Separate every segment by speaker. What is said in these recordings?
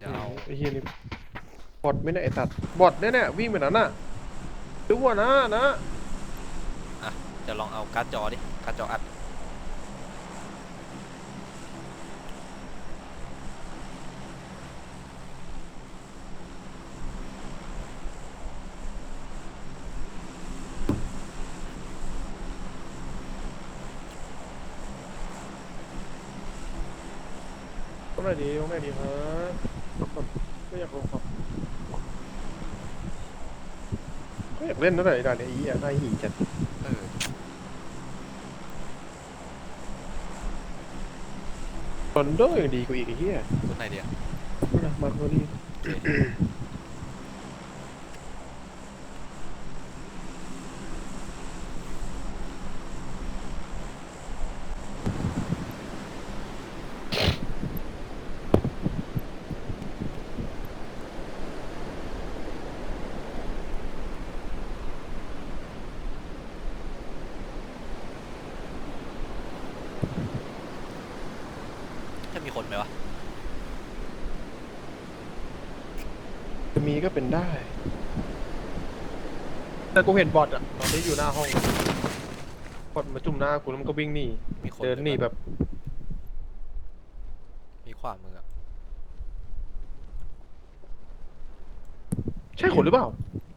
Speaker 1: จะเอา
Speaker 2: ไอ้เฮียนี่บอทไม่ได้ไอ้สัตว์บอทเนี่ยวิ่งไปนั้นน่ะดูว่านะ
Speaker 1: อ่ะจะลองเอาการ์ดจอดิการ์ดจออัด
Speaker 2: ต้องไหนดีฮะไม่อยากลงครับก็อยากเล่นนั่นแหละไอ้ด่านเนี่ยอีอ่ะน่าหีจัด
Speaker 1: เออ
Speaker 2: ตอนโดยังดีกว่าอีกไอ้เหี้ย
Speaker 1: ตัวไหนเดียว
Speaker 2: นะมาตัวนี้
Speaker 1: โอเคจะมีคนไหมวะ
Speaker 2: จะมีก็เป็นได้แต่กูเห็นบอทอ่ะตอนนี้อยู่หน้าห้องบอทมาจุ่มหน้ากูแล้วมันก็วิ่งหนี
Speaker 1: มีคน
Speaker 2: เดินหนีแบบ
Speaker 1: มีขวามืออะ
Speaker 2: ใช่คนหรือเปล่า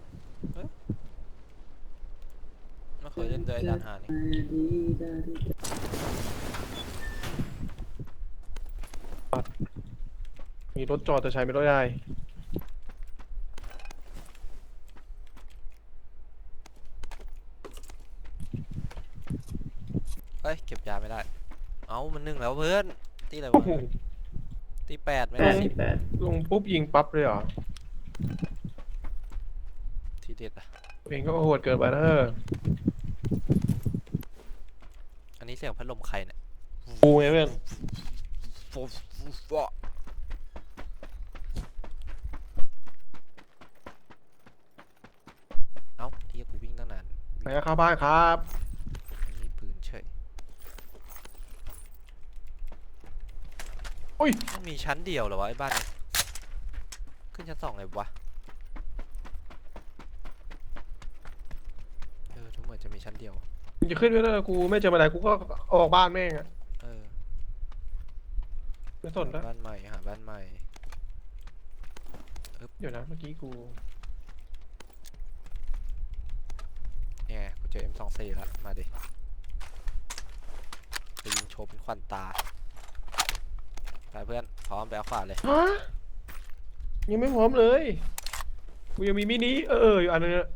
Speaker 1: ไม่เคยเล่นด้วยไอ้ด่านหานี่
Speaker 2: มีรถจอดแต่ใช้ไม่ได้
Speaker 1: เฮ้ยเก็บยาไม่ได้เอ้ามัน1แล้วเพื่อนตีอะไร
Speaker 2: โอ้
Speaker 1: วะ
Speaker 2: โห
Speaker 1: ตี8ไม่
Speaker 3: แป
Speaker 1: ได้10
Speaker 3: ดสิบแปด
Speaker 2: ลงปุ๊บยิงปั๊บเลยเหรอ
Speaker 1: ทีเด็ดอะ
Speaker 2: เองก็โหดเกินไปนะ
Speaker 1: อันนี้เสียงพัดลมใครเนี่ย
Speaker 2: กูไงเพื่อน
Speaker 1: ฟูฟูเอ้าที่กูวิ่งตั้งนาน
Speaker 2: ไปเข้าบ้านครับ
Speaker 1: ไม่มีปืนเฉย
Speaker 2: อุ้ย
Speaker 1: มันมีชั้นเดียวเหรอวะไอ้บ้านเนี่ยขึ้นชั้น2เลยวะทุกเหมือนจะมีชั้นเดียว
Speaker 2: มึงจะขึ้นไปแล้วกูไม่เจอมาไหนกูก็ออกบ้านแม่งอะ
Speaker 1: เออ
Speaker 2: ไม่สนแล้ว
Speaker 1: บ้านใหม่หาบ้านใหม่
Speaker 2: เดี๋ยวนะเมื่อกี้กู
Speaker 1: เนี่ยกูเจอ M24 แล้วมาดิจะยิงโชว์เป็นควันตาไปเพื่อนพร้อมไปเอาขวาเลย
Speaker 2: ฮะยังไม่พร้อมเลย กูยังมีมินิอยู่อันนึงอะ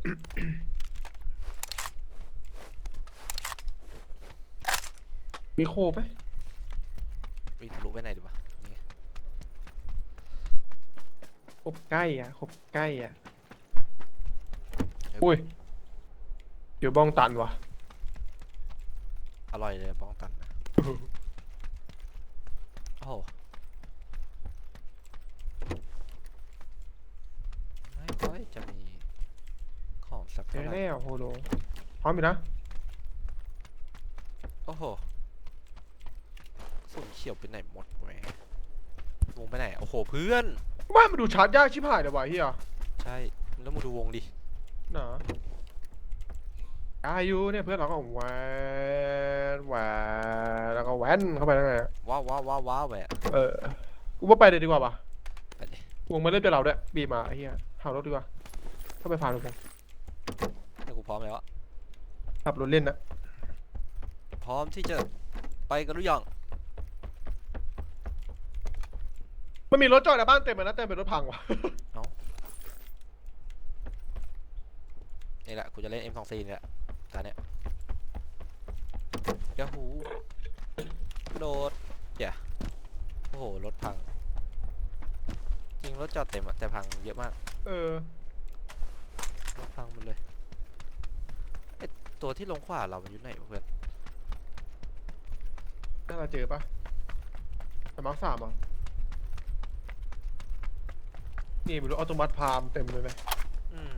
Speaker 2: มีโคไหม
Speaker 1: วิ่งทะลุไปไหนดีวะนี่
Speaker 2: ครบใกล้อ่ะครบใกล้อ่ะอุ้ยเดี๋ยวบ้องตันวะ
Speaker 1: อร่อยเลยบ้องตันนะโอ้โหไม่ค่อยจะมีของสัก
Speaker 2: เจ
Speaker 1: เท่า
Speaker 2: อ
Speaker 1: ไหร่
Speaker 2: แล้วโฮโลพร้อมอยู่นะ
Speaker 1: โอ้โหฝุ่นเขียวไปไหนหมดแหววงไปไหนโอ้โหเพื่อน
Speaker 2: บ้านมันดูชาร์จยากชิบหายเลยวะเฮีย
Speaker 1: ใช่แล้วมาดูวงดิ
Speaker 2: หนาอายุเนี่ยเพื่อนเราก็แหวนแหวนแล้วก็แหวนเข้าไปแล้วไง
Speaker 1: ว้าวว้าวว้าวว้าวแหวะ
Speaker 2: กูว่าไปเลยดีกว่าป่ะ
Speaker 1: ไปดิ
Speaker 2: วงมาเล่นเป็นเราด้วยบีบมาไอ้เหี้ยขับรถดีกว่าเข้าไปผ่านรถผม
Speaker 1: แต่กูพร้อมแล้วอะ
Speaker 2: ขับรถเล่นนะ
Speaker 1: พร้อมที่จะไปกันหรือยัง
Speaker 2: มันมีรถจอดในบ้านเต็มเลยนะเต็มเป็นรถพังว่ะ
Speaker 1: นี่แหละกูจะเล่น M24 นี่แหละตอนเนี้ยยาหูโดดอย่าโอ้โหรถพังจริงรถจอดเต็มอะแต่พังเยอะมากรถพังหมดเลยไอตัวที่ลงขวาเรามันอยู่ไหนวะเพื่อน
Speaker 2: น่าจะเจอปะแต่มาร์คสามอ่ะนี่มีรถออโตมัติพามเต็มเลยไหม
Speaker 1: อืม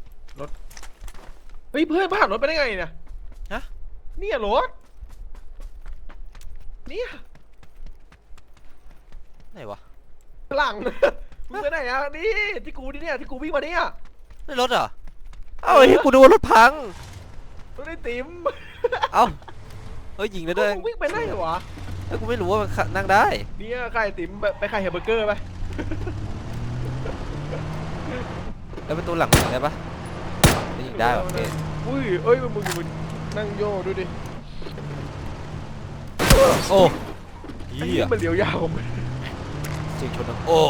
Speaker 2: เฮ้ยเพื่อนผ่านรถไปได้ไงเนี่ย
Speaker 1: ฮะ
Speaker 2: เนี่ยรถเนี่ย
Speaker 1: ไหนวะ
Speaker 2: หลังไปไหนอ่ะนี่ที่กูนี่เนี่ยที่กูวิ่งมาเนี่ย
Speaker 1: ไม่รถเหรอเอ้าไอ้เหี้ยกูดูว่ารถพัง
Speaker 2: รถไอ้ติ๋ม
Speaker 1: เอ้าเฮ้ยยิงได้ด้วย
Speaker 2: มึงวิ่งไปไหนเหรอวะ
Speaker 1: แล้วกูไม่รู้ว่ามันนั่งได้
Speaker 2: เนี่ยใครติ๋มไปใครแฮมเบอร์เกอร์ไป
Speaker 1: แล้วประตูหลังยิงได้ปะไม่ยิงได้โอเค
Speaker 2: อุ้ยเอ้ยมึงนั่งโย่ดูดิ
Speaker 1: โอ้
Speaker 2: ไอ้
Speaker 1: เหี้
Speaker 2: เหี้
Speaker 1: ย
Speaker 2: ยมันเลี้ยวยาว
Speaker 1: จริงชนดังโอ้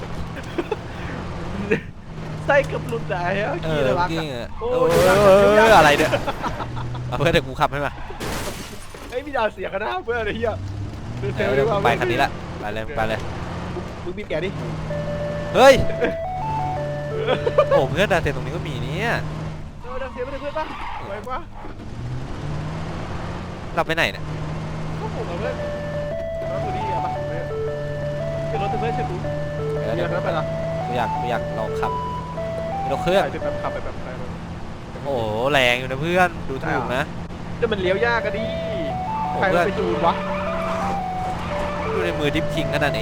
Speaker 2: ไส้กับหลุดได้ฮะ
Speaker 1: เอ
Speaker 2: ขี้
Speaker 1: อ
Speaker 2: เลยรัก
Speaker 1: เก่
Speaker 2: อะ
Speaker 1: งอะ
Speaker 2: โอ้
Speaker 1: เอย ออะไรเนี่ยเอาเพื่อนเดี๋ยวกูขับให้มา
Speaker 2: ไอ้ยมีดาวเสียกันนะเพื่อนไอ้เหี้ยเซล
Speaker 1: เดี๋
Speaker 2: ดี
Speaker 1: ยว
Speaker 2: กว่า
Speaker 1: กูไปคันนี้ละไปเลยไปเลย
Speaker 2: มึงบีบแกดิ
Speaker 1: เฮ้ยโอ้เพื่อนดาวเต็มตรงนี้ก็มีเนี่ย
Speaker 2: ดาวเสียไม่ได้เพื่อนปะไหวปะ
Speaker 1: เราไปไหนเนี่ย
Speaker 2: ก็ผมกับเพื่อนรถตัวนี้อะปะเป็นรถเพื่อนใช่ไหม
Speaker 1: เดี๋ยว
Speaker 2: เดี๋
Speaker 1: เดี๋
Speaker 2: ย
Speaker 1: ยว ว
Speaker 2: นั้นไปละ
Speaker 1: กูอยากลองขับมีรถเครื่อง
Speaker 2: ใช่เป็นแบบขับไปแบบไหน
Speaker 1: โอ้โหแรงอยู่นะเพื่อนดูถูกนะ
Speaker 2: แต่มันเลี้ยวยากกันดิ
Speaker 1: โอ้
Speaker 2: ใคร
Speaker 1: เพื่
Speaker 2: มั
Speaker 1: อน
Speaker 2: นไปจูนวะ
Speaker 1: ดูในมือดิฟคิงขนาดนี้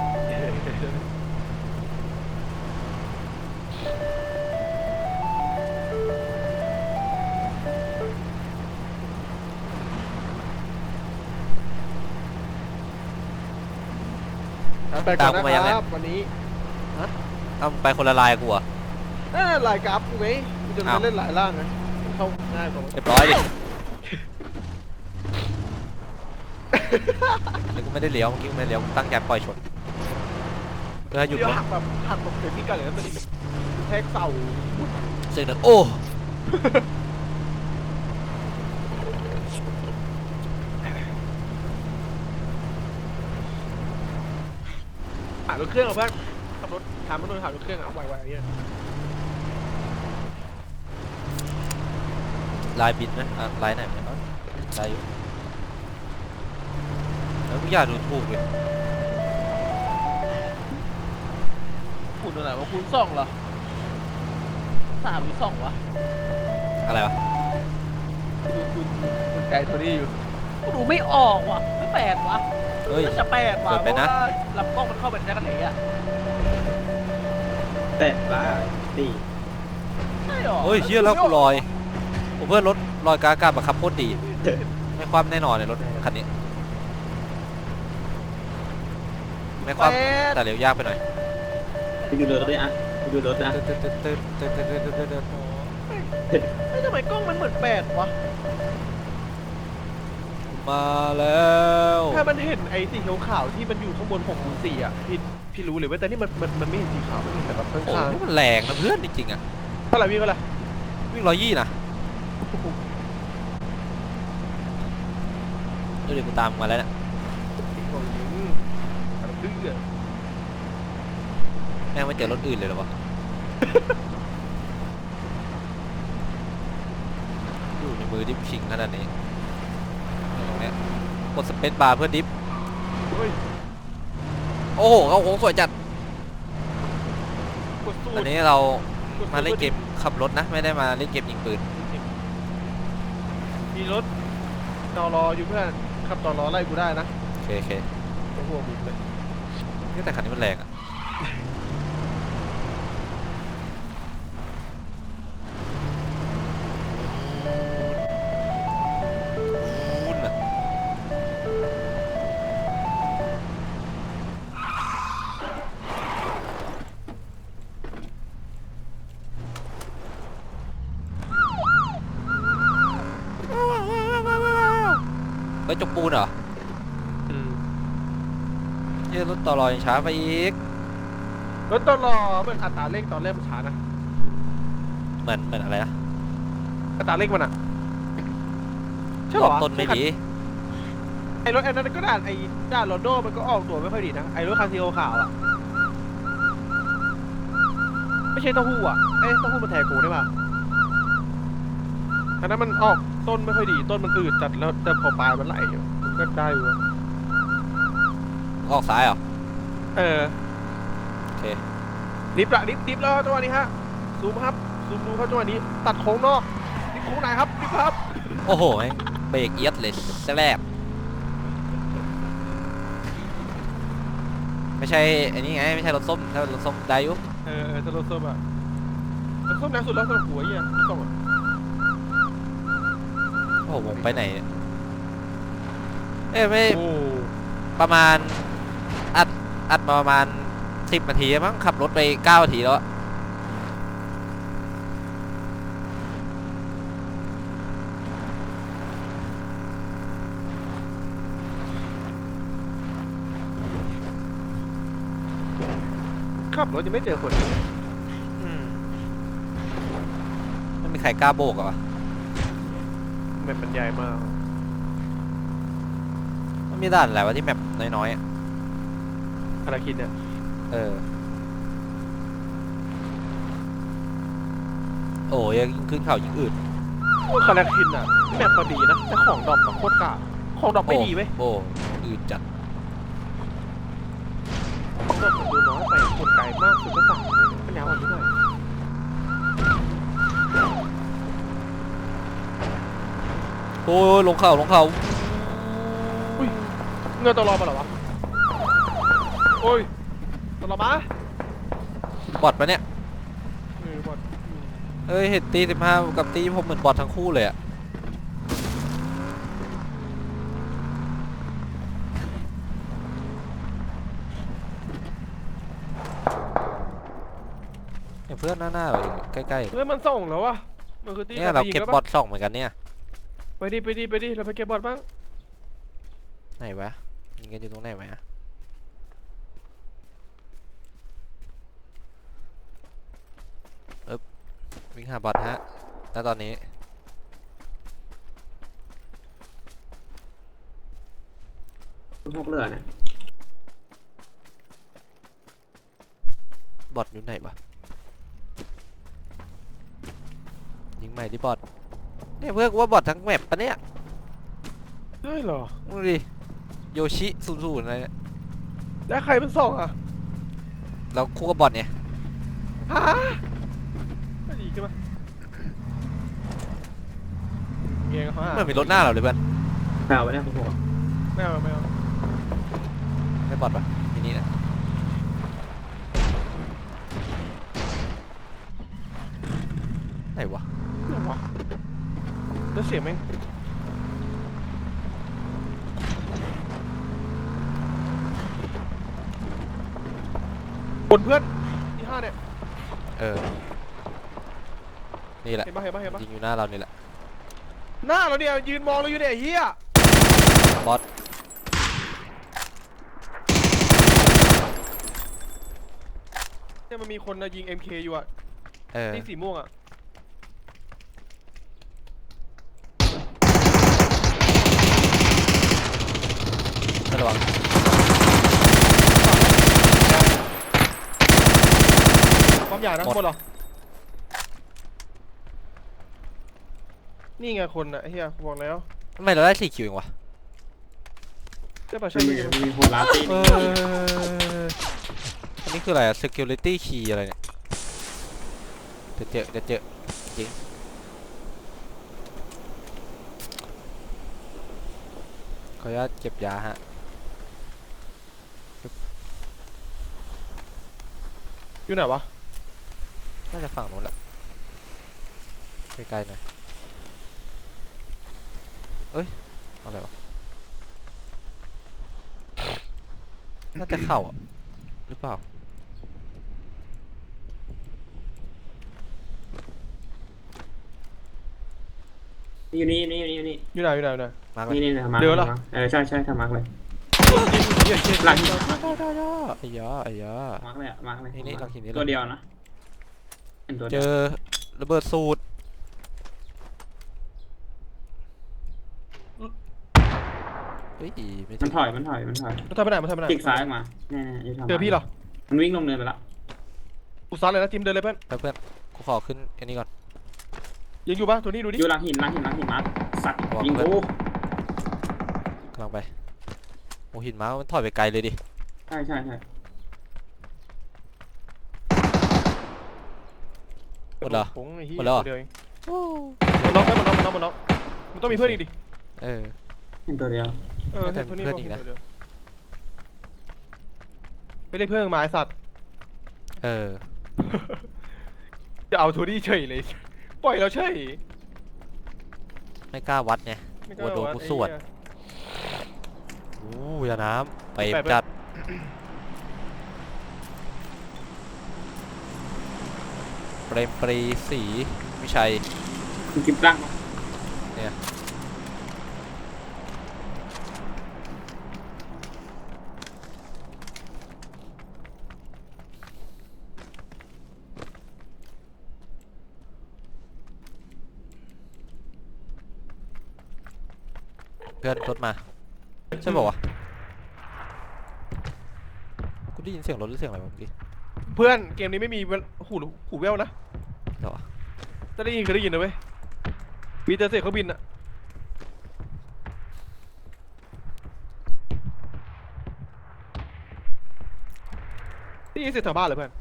Speaker 2: ไปก่อนนะครับวันนี้
Speaker 1: เอาไปคนละลายกูเหรอ่ะ
Speaker 2: ลายกราฟกูไงกูจะมาเล่นหลายร่างไงเข้าง่ายกว่า
Speaker 1: เรียบร้อยดิแล้วกูไม่ได้เลี้ยวเมื่อกี้กูไม่ได้เลี้ยวกูตั้งใจปล่อยชนเพื่อหยุด
Speaker 2: เดี๋ยว
Speaker 1: รถ
Speaker 2: หักแบบหักตกเต็มที่กันเลยนะมันแท็กเสา
Speaker 1: เสียงดังโอ้
Speaker 2: หารถเครื่องเอาเพื่อนขับรถถามมันโดนหารถเครื่องเอาไวๆเนี่ย
Speaker 1: ลายบินนะอ่ะลายไหนไม่รู้ลายอยู่แล้วกูอยากดูถูกเลย
Speaker 3: คูณตัวไหนวะคูณสองเหรอ3 หรือ 2วะ
Speaker 1: อะไรวะ
Speaker 3: ดูไกลตัวนี้อยู่กูดูไม่ออกว่ะไม่แปลกวะ
Speaker 1: เฮ้ย
Speaker 3: น่าจะแปลกว่ะ
Speaker 1: เกิด
Speaker 3: เพ
Speaker 1: ไป
Speaker 3: ราะ
Speaker 1: นะ
Speaker 3: ว่าลำกล้องมันเข้าเป็นจักรเหล่อะ
Speaker 4: แต่ละตี
Speaker 3: ใช่หรอ
Speaker 1: เฮ้ยเชี่ยแล้วกูลอยโอ้เพื่อนรถลอยกลางอากาศบังคับโคตรดีไม่คว่ำแน่นอนเลยรถคันนี้ไม่คว่ำแต่เร็วยากไปหน่อย
Speaker 4: ไปดูรถด้วยอ่ะไปดูรถนะ
Speaker 2: ไม่ทำไมกล้องมันเหมือนแปดวะ
Speaker 1: มาแล้ว
Speaker 2: ถ้ามันเห็นไอ้สีขาวๆที่มันอยู่ข้างบน604อ่ะพี่รู้เลยว่าแต่นี่มันไม่เห็นสีขาวมันเห็นแต่แบบข้
Speaker 1: โอ้
Speaker 2: าง
Speaker 1: โหมันแรงนะเพื่อนจริงๆอ่ะ
Speaker 2: ๆเท่าไหร่พี่เท่าไหร่
Speaker 1: วิ่ง120นะเดี๋ยวกูตามมาแล้วเนี่ย
Speaker 2: ดื้อ
Speaker 1: แม่งไม่เจอรถอื่นเลยเหรอวะ อยู่ในมือดิฟชิงขนาดนี้ตรงเนี้ยกดสเปซบาร์เพื่อดิฟ
Speaker 2: เฮ้ย
Speaker 1: โอ้โหเขาโค้งสวยจัด
Speaker 2: กดสู
Speaker 1: อัน
Speaker 2: ตร
Speaker 1: นี้เรามาเล่นเกมขับรถนะ ไม่ได้มาเล่นเกมยิงปืน
Speaker 2: มีรถตอรออยู่เพื่อนขับตอรอไล่กูได้นะ
Speaker 1: โอเคโอเค
Speaker 2: โอ้โหมึงเลย
Speaker 1: นี่แต่คันนี้มันแรงอ่ะวุ่นอะเฮ้ยจกปูนเหรอเฮ้ยรถต่อรอยังช้าไปอีก
Speaker 2: รถตอรอมันอัตราเร่งตอนแรกมันช้านะ
Speaker 1: เหมือนอะไรนะ
Speaker 2: อัตราเร่งมันอะใช่
Speaker 1: ร
Speaker 2: เหร
Speaker 1: อ
Speaker 2: อบ
Speaker 1: ต้นไม่ดี
Speaker 2: ไอ้รถไอ้นั้นก็ด่านไอ้ด่านโรนโดมันก็ออกตัวไม่ค่อยดีนะไอ้รถคันสีขาวอะไม่ใช่เต้าหู้อะเอ้ยเต้าหู้มันแทกูได้ป่ะอันนั้นมันออกต้นไม่ค่อยดีต้นมันอืดจัดแล้วแต่พอปลายมันไหลอยู่มันก็ได้อยู่อะ
Speaker 1: ออกซ้ายเหรอ
Speaker 2: เออ
Speaker 1: โอเค
Speaker 2: ดิฟละดิฟแล้วจังหวะนี้ฮะซูมครับซูมดูครับจังหวะนี้ตัดโค้งนอกดิฟโค้งไหนครับดิฟครับ
Speaker 1: โอ้โหแม่งเบรกเอียดเลยแสลบไม่ใช่ไอ้นี่ไงไม่ใช่รถส้มถ้ารถส้มได้อยุ
Speaker 2: ถ้ารถส้มอะรถส้มแรงสุดแล้วสำหรับหัวเหี้ยรถส้มอะ
Speaker 1: โอ้โหผมไปไหนเนี่ยเอ้ยไม่
Speaker 2: โอ้
Speaker 1: ประมาณอัดมาประมาณ10 นาทีมั้งขับรถไป9 นาทีแล้วอะ
Speaker 2: ขับรถยังไม่เจอคนเลย
Speaker 1: อืมไม่มีใครกล้าโบกเหรอวะ
Speaker 2: แมปมันใหญ่มาก
Speaker 1: มันมีด่านอะไรวะที่แมปน้อยๆอะ
Speaker 2: ภารกิจเนี่ย
Speaker 1: เออโอ้ยยิ่งขึ้นเขายิ่งอืด
Speaker 2: คาราคินอะแมปก็ดีนะแต่ของดรอปอะโคตรกากของดรอปไม่ดีเว้ย
Speaker 1: โอ้อืดจัด
Speaker 2: ของดรอปมันดูน้อยไปคนไกลมากสุดก็สั่งเลยปัญญาอ่อนนิดหน่อย
Speaker 1: โอ้ยลงเขา
Speaker 2: เงินตลอดมาเหรอวะโอ้ยตลอดมา
Speaker 1: บอทปะเนี่ย
Speaker 2: บอด
Speaker 1: เอ้ยเห็นตี15กับตีผมเหมือนบอททั้งคู่เลยอะเนี่ยเพื่อนหน้าๆเราใกล้
Speaker 2: เฮ้ยมันส่งแล้ววะมันคือตี
Speaker 1: ๆเนี่ยเราเก็บบอท2เหมือนกันเนี่ย
Speaker 2: ไปดิเราไปเก็บบอดบ้าง
Speaker 1: ไหนวะยิงกันอยู่ตรงไหนวะวิ่งหาบอทฮะแล้วตอนนี้
Speaker 4: พวกเรือเนี่ย
Speaker 1: บอทอยู่ไหนวะยิงใหม่ที่บอทเนี่ยเพื่อนกูว่าบอททั้งแมปปะเนี่ย
Speaker 2: ใช่เหรอ
Speaker 1: ดูดิโยชิ00อะไรเนี่ย
Speaker 2: แล้วใครเป็นส่งอ่ะ
Speaker 1: เราคู่กับบอทเนี่ย
Speaker 2: ฮะไม่ดีขึ้นมาเงี้ยเขาหา
Speaker 1: เหมือนมีรถหน้าเราเลยเพื่อน
Speaker 4: แปลว่าเนี่ยพวก
Speaker 2: ไม่เอา
Speaker 1: ไม่บอทปะทีนี้นะไหนวะ
Speaker 2: ไม่เอาวะแล้วเสียงแม่งบนเพื่อนที่5เนี่ย
Speaker 1: เออนี่แหละ
Speaker 2: เห็นปะ
Speaker 1: ยิงอยู่หน้าเรานี่แหละ
Speaker 2: หน้าเราเนี่ยยืนมองเราอยู่เนี่ยไอ้เฮีย
Speaker 1: บอท
Speaker 2: เนี่ยมันมีคนนะยิง MK อยู่อ่ะ
Speaker 1: เออ
Speaker 2: นี่สีม่วงอ่ะ
Speaker 1: ระวัง
Speaker 2: ความใหญ่นะ
Speaker 1: หมด
Speaker 2: หมดเหรอนี่ไงคนน่ะไอ้เฮียบอกแล้ว
Speaker 1: ทำไมเราได้4 คิวเองวะ
Speaker 2: ใช่ป่ะ
Speaker 4: มั
Speaker 2: ใช่
Speaker 4: น
Speaker 2: ไหม
Speaker 4: มีคนลาตี
Speaker 1: อันนี้คืออะไรอะ security key อะไรเนี่ยเดี๋ยวเจอจริงขออนุญาตเก็บยาฮะ
Speaker 2: อยู่ไหนวะ
Speaker 1: น่าจะฝั่งนู้นแหละใกล้ๆหน่อยเอ้ยอะไรวะน่าจะเข้าอ่ะหรือเปล่า
Speaker 4: อยู่นี่
Speaker 2: อยู่ไหน
Speaker 1: มาร์ก
Speaker 4: นี่
Speaker 1: เลย
Speaker 4: นะมาร์ค
Speaker 2: เดี๋ยวเหรอ
Speaker 4: ใช่ทำมาร์คเลย
Speaker 2: เฮีย
Speaker 4: หลัง
Speaker 1: ไอ้ยา
Speaker 4: มาร์คเลยอะมาร์คเลย
Speaker 1: นี่หลังหินนี่เลย
Speaker 4: ตัวเดียวนะเป็นตัว
Speaker 1: เจ
Speaker 4: เดียว
Speaker 1: อระเบิดสูตรเฮ้ยไม่
Speaker 4: มั
Speaker 1: ถึ
Speaker 4: น
Speaker 1: ง
Speaker 4: ถอย
Speaker 2: มันทำไปไหน
Speaker 4: คลิกซ้ายออกมาเนี่ยอยู่ทาง
Speaker 2: เจอพี่เหรอ
Speaker 4: มันวิ่งลงเนินไปแล้ว
Speaker 2: กูซัดเลยนะทีมเดินเลยเพื่อน
Speaker 1: เพื่อนกูขอขึ้นอันนี้ก่อน
Speaker 2: ยังอยู่ปะตัวนี้ดูดิ
Speaker 4: อยู่หลังหินมาร์คสัตว์
Speaker 1: ระวัง
Speaker 4: ยิง
Speaker 1: เพื่อน
Speaker 4: กู
Speaker 1: กำลังไปโอ้หินม้ามันถอยไปไกลเลยดิ
Speaker 4: ใช่
Speaker 1: หมดเหรอ
Speaker 2: ผงไอ้เหี้ย
Speaker 1: หมดแล้วเหรอ
Speaker 2: เดียวเองมันน็อกมันต้องมีเพื่อนอีกดิ
Speaker 1: เออ
Speaker 4: เป็นตัวเดียว
Speaker 2: เออ
Speaker 1: น่าจะ
Speaker 2: ตัวนี้
Speaker 1: เพื่อนอีกนะ
Speaker 2: ตัวเดียวไม่ได้เพิ่งมาไอสัตว์
Speaker 1: เออ
Speaker 2: จะเอาโทนี่เฉยเลย ปล่อยเราเฉย
Speaker 1: ไม่กล้าวัดไง
Speaker 2: ไม่
Speaker 1: กลัวโดนกูสวด
Speaker 2: ไอ้เหี้ย
Speaker 1: อู้ยาน้ำไป
Speaker 2: ไป
Speaker 1: จัดเปรมปรีศรีวิชัย
Speaker 4: คุณกินตั้งปะ
Speaker 1: เพื่อนรถมาใช่ป่าวะกูได้ยินเสียงรถหรือเสียงอะไรวะเมื่อกี้
Speaker 2: เพื่อนเกมนี้ไม่มีหูแว่วนะ
Speaker 1: เหรอ
Speaker 2: ถ้าได้ยินเคยได้ยินนะเว้ย มีแต่เสียงเครื่องบินอะได้ยินเสียงแถวบ้านเหรอเพื่อน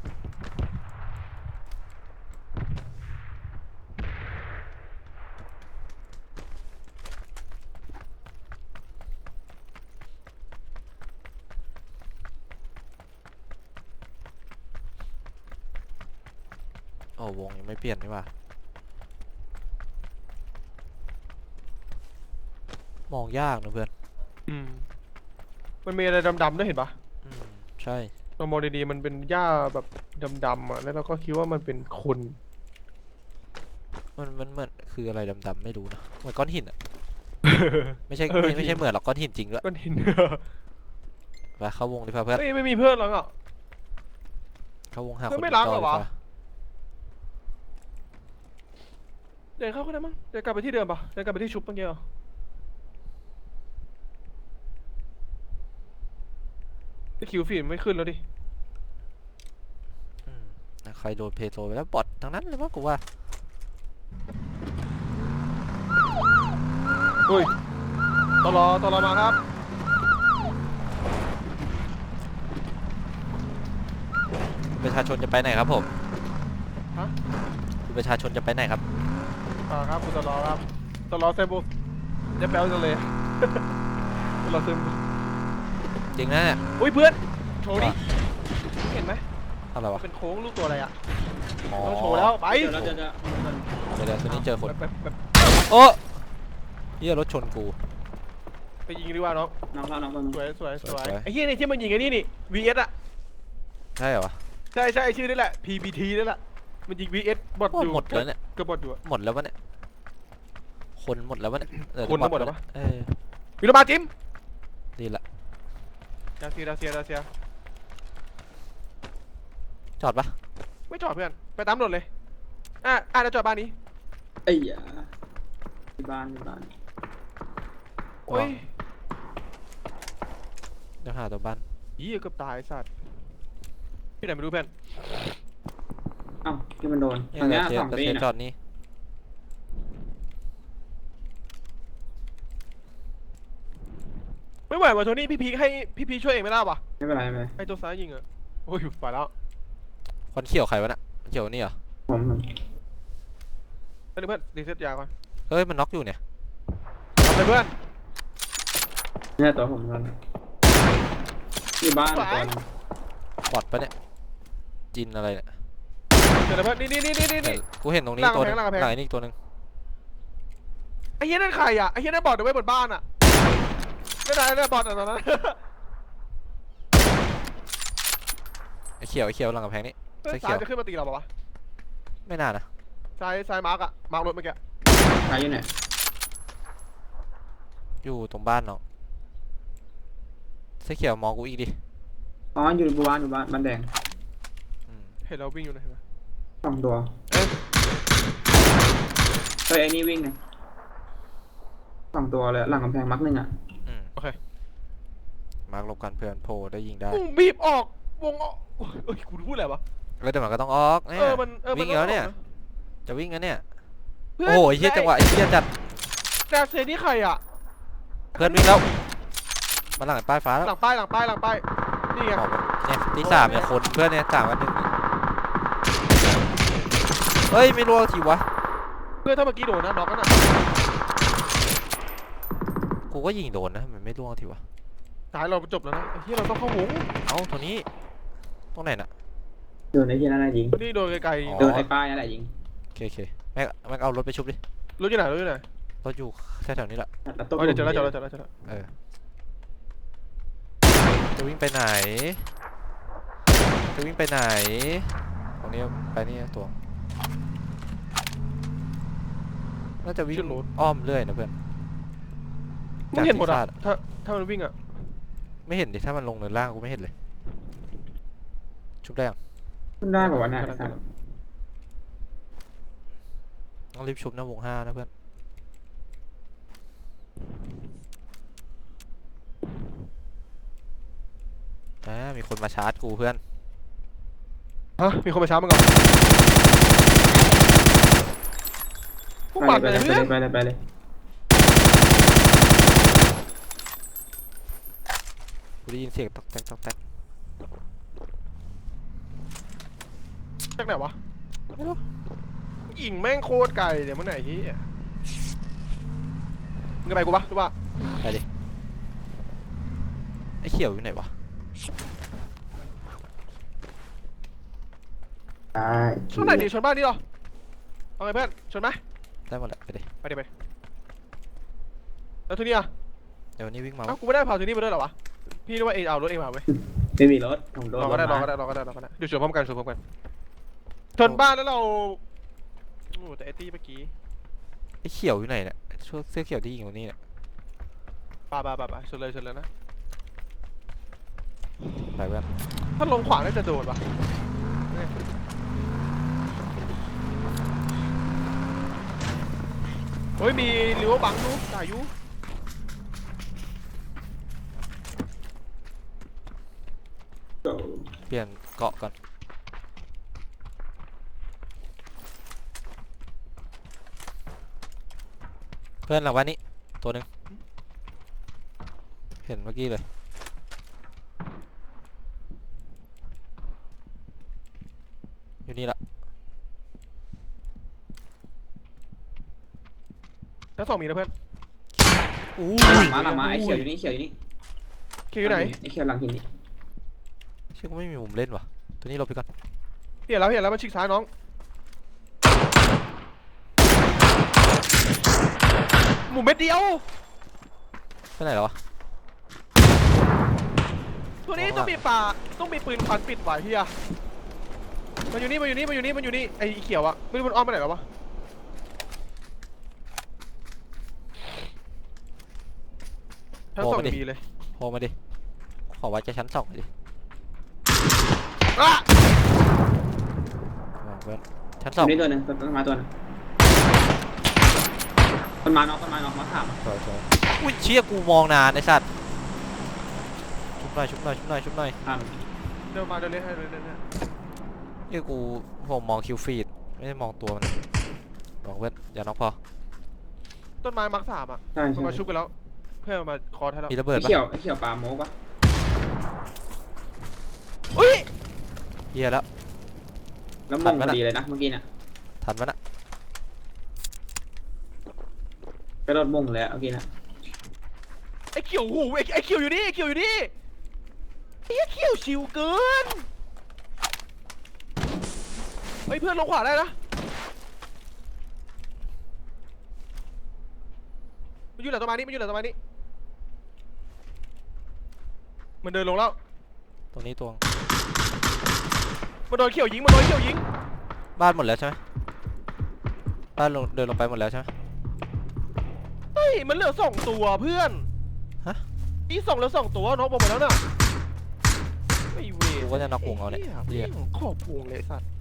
Speaker 1: โอ้วงยังไม่เปลี่ยนนี่หว่ามองยากนะเพื่อน
Speaker 2: อืม มันมีอะไรดำๆด้วยเห็นปะ
Speaker 1: อืมใช่
Speaker 2: เรามองดีๆมันเป็นหญ้าแบบดำๆอ่ะ แล้วเราก็คิดว่ามันเป็นคน
Speaker 1: มันเหมือนคืออะไรดำๆไม่รู้นะเหมือนก้อนหินอะไม่ใช่
Speaker 2: เออ
Speaker 1: ไม่ใช่เหมือนหรอกก้อนหินจริงด้วย
Speaker 2: ก้อนหิน
Speaker 1: ไปเข้าวงดิพาเพื่อน
Speaker 2: เฮ้ยไม่มีเพื่อนหรอกอ่ะ
Speaker 1: เข้าวงหา
Speaker 2: เพื่
Speaker 1: ค
Speaker 2: อน นไม่รักเหรอวะ
Speaker 1: ดีกว่า
Speaker 2: เดินเข้าก็ได้มั้งเดินกลับไปที่เดิมปะเดินกลับไปที่ชุบเมื่อกี้เหรอไอ้คิวฟีดไม่ขึ้นแล้วดิ
Speaker 1: อืมใครโดนเพโซไปแล้วบอททั้งนั้นเลยว่ากูว่า
Speaker 2: อุ้ยตลอมาครับ
Speaker 1: ประชาชนจะไปไหนครับผม
Speaker 2: ฮะ
Speaker 1: คุณประชาชนจะไปไหนครับ
Speaker 2: ครับคุณตลอครับตลอเซมบุจะแปลจังเลย ตลอเซมบุ
Speaker 1: จริงนะเนี่ย
Speaker 2: อุ้ยเพื่อนโชว์ดิเห็นไหม
Speaker 1: อะไรวะ
Speaker 2: เป็นโค้งลูกตัวอะไรอ่ะ
Speaker 1: อ๋อ
Speaker 2: ต้องโชว์แล้วไป
Speaker 4: เดี๋ยวเราจะ
Speaker 1: เดี๋ยวตัวนี้เจอคน
Speaker 2: แบบ
Speaker 1: โอ้เฮียรถชนกู
Speaker 2: ไปยิงดีกว่าน้อง
Speaker 4: น้องเข้าน้องเข้า
Speaker 2: สวยสวย
Speaker 1: ส
Speaker 2: ส
Speaker 1: ว
Speaker 2: วย ยไอ้เหี้ยนี่ที่มันยิงไอ้นี่นี่ VS อ่ะ
Speaker 1: ใช่เหรอวะ
Speaker 2: ใช่ใช่ชื่อนี่แหละ PBT นี่แหละมันยิง VS บอท
Speaker 1: โอ้
Speaker 2: อยู่
Speaker 1: หมดแล้วเนี่ย
Speaker 2: ก็บอทอยู่อะ
Speaker 1: หมดแล้ววะเนี่ยคนหมดแล้ววะเนี่ยเออ
Speaker 2: คนทั้งหมด
Speaker 1: บอท
Speaker 2: แล้ววะ
Speaker 1: เออ
Speaker 2: วิโรมาจิม
Speaker 1: ดีละ
Speaker 2: ดาเซีย
Speaker 1: จอดปะ
Speaker 2: ไม่จอดเพื่อนไปตามรถเลยแล้วจอดบ้านนี้
Speaker 4: ไอ้ยาที่บ้านที่บ้าน
Speaker 2: โอ้ย
Speaker 1: เดี๋ยวหาตัวบ้าน
Speaker 2: ยี่เกือบตายไอ้สัตว์พี่ไหนไม่รู้เพื่อน
Speaker 4: เอ้าที่มันโดน
Speaker 1: เนี่ย
Speaker 4: ตรงเนี้ย
Speaker 1: เดี๋ยว
Speaker 4: สอง
Speaker 1: เดี๋ยว
Speaker 4: ตี
Speaker 1: เดี๋ยว
Speaker 4: นะ
Speaker 1: จอดนี่
Speaker 2: ไม่ไหวว่ะโทนี่พี่พีให้พี่พีช่วยเองไม่ได้ปะ
Speaker 4: ไม่เป็นไรไม่เป็นไร
Speaker 2: ไอ้ตัวซ้ายยิงอะโอ้ยไปแล้ว
Speaker 1: ควันเขียวใครวะน่ะควันเขียวนี่เหรอ
Speaker 4: ผม
Speaker 2: ไปเลยเพื่อนรีเซ็ตยาก่อน
Speaker 1: เฮ้ยมันน็อกอยู่เนี่ย
Speaker 2: ทำเลยเพื่อน
Speaker 4: เนี่ยตัวผมกันที่บ้าน
Speaker 2: สวย
Speaker 4: ตัวนึง
Speaker 1: บอดปะเนี่ยจินอะไรเนี่ย
Speaker 2: เดี๋ยวนะเพื่อนนี่
Speaker 1: เห็นกูเห็นตรงนี้
Speaker 2: หลัง
Speaker 1: ตัวหนึง
Speaker 2: กำแพงหลังกำแพง
Speaker 1: หลังไอ้นี่อีกตัวหนึง
Speaker 2: ไอ้เหี้ยนั่นใครอ่ะไอ้เหี้ยนั่นบอดเอาไว้บนบ้านอ่ะไม่ได้บอดอ่ะตอนนั้น
Speaker 1: ไอ้เขียวหลังกำแพงนี่
Speaker 2: เพื่อน
Speaker 1: เสื้อเขี
Speaker 2: ซ้าย
Speaker 1: ยว
Speaker 2: จะขึ้นมาตีเราปะวะ
Speaker 1: ไม่น่านะ
Speaker 2: ซ้ายมาร์กอะมาร์กรถเมื่อกี้
Speaker 4: ใครอยู่ไหน
Speaker 1: อยู่ตรงบ้านเนาะเสื้อเขียวมองกูอีกดิ
Speaker 4: อ๋ออยู่บ้านบ้านแดง
Speaker 1: อืม
Speaker 2: เห็นเราวิ่งอยู่นะเห็นไหม
Speaker 4: สองตัวเฮ้ยไอ้นี่วิ่งไงสองตัวเลยหลังกำแพงมักหนึ่งอ่ะ
Speaker 1: อืม
Speaker 2: โอเค
Speaker 1: มาร์กลบกันเพื่อนโผล่ได้ยิงได้
Speaker 2: บีบออกวงออกเอ้ยกูพูดอะไรวะ
Speaker 1: แล้วเดี๋ยวมันก็ต้องออกเนี่ย
Speaker 2: มัน
Speaker 1: วิ่งแล้วเนี่ย จะวิ่งแล้วเนี่ย
Speaker 2: เพื่อน
Speaker 1: โอ้โหไอ้เฮียจังหวะไอ้เฮียจัด
Speaker 2: แต่เซนี่ใครอ่ะ
Speaker 1: เพื่อนวิ่งแล้วมาหลังไอ้ป้ายฟ้าแล้ว
Speaker 2: หลังป้ายนี่ไง
Speaker 1: ออกมาเนี่ยที่สามเนี่ยคนเพื่อนเนี่ยสามกันหนึ่งเฮ้ยไม่รู้ทีวะ
Speaker 2: เพื่อนถ้าเมื่อกี้โดนนะน็อกกันอ่ะ
Speaker 1: กูก็ยิงโดนนะมันไม่ร่วงทีวะ
Speaker 2: สายเราจบแล้วนะไอ้เหี้ยเราต้องเข้าวง
Speaker 1: เอ้าตัวนี้ตรงไหนน่ะ
Speaker 4: โดนไอ้ที่นั่นแหละยิง
Speaker 2: นี่โดนไกล
Speaker 1: อ๋อ
Speaker 2: ๆ
Speaker 4: โดนไอ้ป้ายนั่นแหละยิง
Speaker 1: โอเคโอเคแม็กเอารถไปชุบดิ
Speaker 2: รถอยู่ไหนรถอยู่ไหน
Speaker 1: รถอยู่แถวๆนี้แหละ
Speaker 4: ตัดต้น
Speaker 2: เดี๋ยวเจอแล้วเจอแล้วเจอแล้วเจอแล้ว
Speaker 1: เออจะวิ่งไปไหนจะวิ่งไปไหนตรงนี้ไปนี่ตัวน่าจะวิ่งอ้อมเรื่อยนะเพื่อน
Speaker 2: มึงเห็นหมด
Speaker 1: จาก
Speaker 2: อ่ะ
Speaker 1: ที่ฟา
Speaker 2: ถ้ามันวิ่งอ่ะ
Speaker 1: ไม่เห็นดิถ้ามันลงเนินล่างกูไม่เห็นเลยชุบได้ยัง
Speaker 4: ขึ้นได้แบบว่าน่ะ
Speaker 1: ต้องรีบชุบนะวง5นะเพื่อนมีคนมาชาร์จกูเพื่อน
Speaker 2: ฮะมีคนมาช้ามึงก่อนพวก
Speaker 4: ไป
Speaker 2: ปั่น
Speaker 4: เลย
Speaker 2: เลยเพื่อน
Speaker 4: ไปเลยไปเลย
Speaker 1: กูได้ยินเสียงตอกแตกตอกแตก
Speaker 2: จากไหนวะ
Speaker 1: ไม่รู้
Speaker 2: ยิงแม่งโคตรไกลเดี๋ยวมึงไหนที่มึงจะไปกูปะรู้ปะ
Speaker 1: ไปดิไอ้เขียวอยู่ไหนวะ
Speaker 4: ได้
Speaker 2: ชนไหนดิชนบ้านนี่หรอเอาไงเพื่อนชนไหม
Speaker 1: ได้หมดแหละไปดิ
Speaker 2: ไปดิไปแล้วทีนี้อ่ะ
Speaker 1: เดี๋ยววันนี้วิ่งมา
Speaker 2: เอ้ากูไม่ได้พาทีนี้มาด้วยเหรอวะพี่นึกว่าเองเอารถเองมาเว้ย
Speaker 4: ไม่มีรถผมโดน
Speaker 2: รอก็ได้รอก็ได้รอก็ได้รอก็ได้เดี๋ยวชนพร้อมกันชนพร้อมกันชนบ้านแล้วเราโอ้แต่ไอ้ตี้เมื่อกี้
Speaker 1: ไอ้เขียวอยู่ไหนเนี่ยช่วเสื้อเขียวที่ยิงตรงนี้เนี่ย
Speaker 2: ป่าชนเลยนะ
Speaker 1: ไปเพื่อน
Speaker 2: ถ้าลงขวาน่าจะโดนปะเฮ้ยมีริวบังดูจ่ายยู
Speaker 4: โดน
Speaker 1: เปลี่ยนเกาะก่อนเพื่อนหลังวันนี้ตัวหนึ่งเห็นเมื่อกี้เลยอยู่นี่ละ
Speaker 2: ทั้งสองมีนะเพื่อน
Speaker 1: อู้
Speaker 4: หลังมาไอ้เขียวอยู่นี่เขียวอยู่นี่
Speaker 2: คิวอยู่ไหน
Speaker 4: ไอ้เขียวหลังหินนี่
Speaker 1: เชื่อกูไม่มีมุมเล่นว่ะตัวนี้เราไปก่อน
Speaker 2: เห็นแล้วมันชิกซ้ายน้องหมูเม็ดเดียว
Speaker 1: ไปไหนแล้ววะ
Speaker 2: ตัวนี้ต้องมีป่าต้องมีปืนควันปิดไว้เฮียมันอยู่นี่ไอ้เขียวอะไม่รู้มันอ้อมไปไหนแล้ววะทั้งสองมีเลย
Speaker 1: โผล่มาดิขอวัดจะชั้น2หน่อยดิ
Speaker 2: อ่ะ
Speaker 1: มาเพื่อนชั้น
Speaker 4: ตัวนี้
Speaker 1: 2
Speaker 4: ตัวนึงต้นไม้ตัวนึงต้นไม้น็อกมาถาม
Speaker 1: สวยอุ้ยเชี่ยกูมองนานไอ้สัตว์ชุบหน่อย
Speaker 4: ถาม
Speaker 2: เดินมาเดินเล่นให้เดินเล่นให้
Speaker 1: เอ้ยกูผมมองคิวฟีดไม่ได้มองตัวมันมองเพื่อนอย่าน็อกพอ
Speaker 2: ต้นไม้มักสามอะ
Speaker 4: ใช่
Speaker 2: มัน
Speaker 4: ใช่
Speaker 2: มาชุบกันแล้วเพื่อนมาคอร์ให้แล้ว
Speaker 1: มีระเบิด
Speaker 4: ไอ้
Speaker 1: ปะ
Speaker 4: เขียวปลาโมกปะ
Speaker 2: อุ้ย
Speaker 1: เหี้ยแล้ว
Speaker 4: แล้วมงพอดีเลยนะเมื่อกี้น่ะ
Speaker 1: ทันมันอะ
Speaker 4: กระโดดมงเลยเมื่อกี้น่ะ
Speaker 2: ไอ้เขียวหูไอ้เขียวอยู่นี่ไอ้เขียวชิวเกินเฮ้ยเพื่อนลงขวาได้นะมันอยู่หลังต้นไม้นี่มันเดินลงแล้ว
Speaker 1: ตรงนี้ตัวง
Speaker 2: มันโดนเขียวยิง
Speaker 1: บ้านหมดแล้วใช่ไหมบ้านเดินลงไปหมดแล้วใช่ไหม
Speaker 2: เฮ้ยมันเหลือ2ตัวเพื่อน
Speaker 1: ฮะ
Speaker 2: นี่2เหลือ2ตัวน็อกหมดแล้วน่ะไม่เว
Speaker 1: กูก็จะน็อกวงเอาเนี่ยเรียก
Speaker 2: ขอบวงเลยสัตว์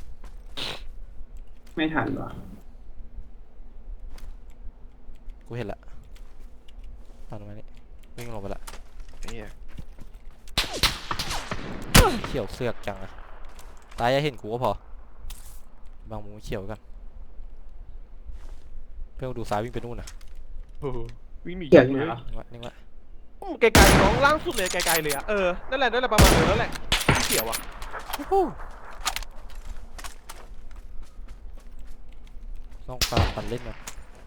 Speaker 4: ไม่ทันว่ะ
Speaker 1: กูเห็นละตามลงมานี่วิ่งลงไปละ
Speaker 2: เนี่ย
Speaker 1: เขียวเสือกจังอะตายอย่าเห็นกูก็พอ บางมุมเขียวกัน เพื่อนกูดูซ้ายวิ่งไปนู่นนะ
Speaker 2: วิ่งหนี
Speaker 4: เขียวอยู่ไหนวะ
Speaker 1: นิ่งไว้
Speaker 2: ไกลๆน้องล่างสุดเลยไกลๆเลยอะนั่นแหละประมาณนั้นแหละที่เขียวอะ
Speaker 1: ต้องปาปันเล่นนะ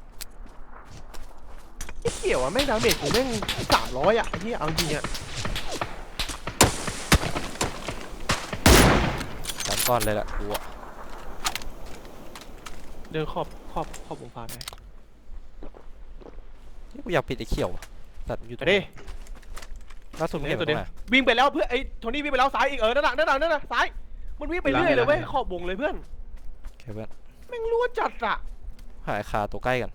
Speaker 2: ที่เขียวอะแม่งดาเมจกูแม่ง300อะไอ้ที่เอาจริงอะ
Speaker 1: ก่อนเลยล่ะกูอะ
Speaker 2: เดินขอบวงฟ้าไป
Speaker 1: นี่กูอยากปิดไอ้เขียวอะสัตว์อยู่ต
Speaker 2: ไป
Speaker 1: รงไหน
Speaker 2: ดิ
Speaker 1: ล่าสุดมึงเห็น
Speaker 2: ตั
Speaker 1: มั
Speaker 2: วน
Speaker 1: ตร
Speaker 2: เดียว
Speaker 1: งไหน
Speaker 2: วิ่งไปแล้วเพื่อนไอ้โทนี่วิ่งไปแล้วซ้ายอีกนั่นน่ะซ้ายมันวิ่งไปเรื่อยเลยเว้ยขอบวงเลยเพื่อน
Speaker 1: โอเคเพื่อน
Speaker 2: แม่งรั่วจัดอะ
Speaker 1: หาไอ้คาตัวใกล้กัน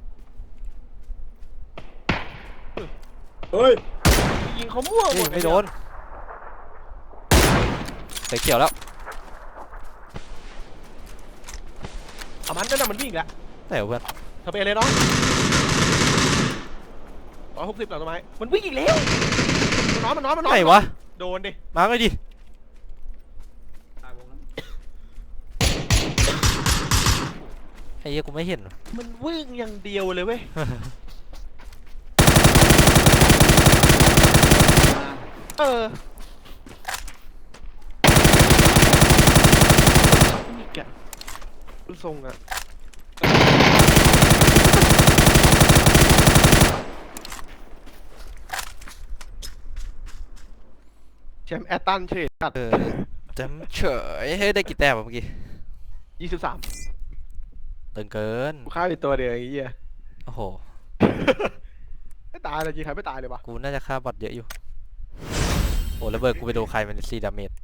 Speaker 4: เฮ้ย
Speaker 2: ยิงเขามั่วหม
Speaker 1: เฮ้ย
Speaker 2: ด
Speaker 1: ไม่โดนใส่เขียวแล้ว
Speaker 2: เอามันนั่นน่ะมันวิ่งอีกแล้ว
Speaker 1: ไหนวะเพื่อน
Speaker 2: เธอไปเลยน้อง160หลังต้นไม้มันวิ่งอีกแล้วมันนอน
Speaker 1: ไหนวะ
Speaker 2: โดนดิ
Speaker 1: มาร์กเลยดิ
Speaker 4: ตายวงแล้ว
Speaker 1: ไอ้เหี้ยกูไม่เห็นว่ะ
Speaker 2: มันวิ่งอย่างเดียวเลยเว้ย
Speaker 4: มา
Speaker 2: เออนี่แกดูทรงอะแชมป์แอตตันเฉยจัด
Speaker 1: จำเฉยเฮ้ยได้กี่แต้มวะเมื่อกี้
Speaker 2: 23
Speaker 1: ตึงเกิน
Speaker 2: กูฆ่าไปตัวเดียวไอ้เหี้ย
Speaker 1: โอ้โห
Speaker 2: ไม่ตายเลยจริงใครไม่ตายเลยวะ
Speaker 1: กูน่าจะฆ่าบอทเยอะอยู่ โอ้ระเบิดกูไปโดนใครมัน4 ดาเมจ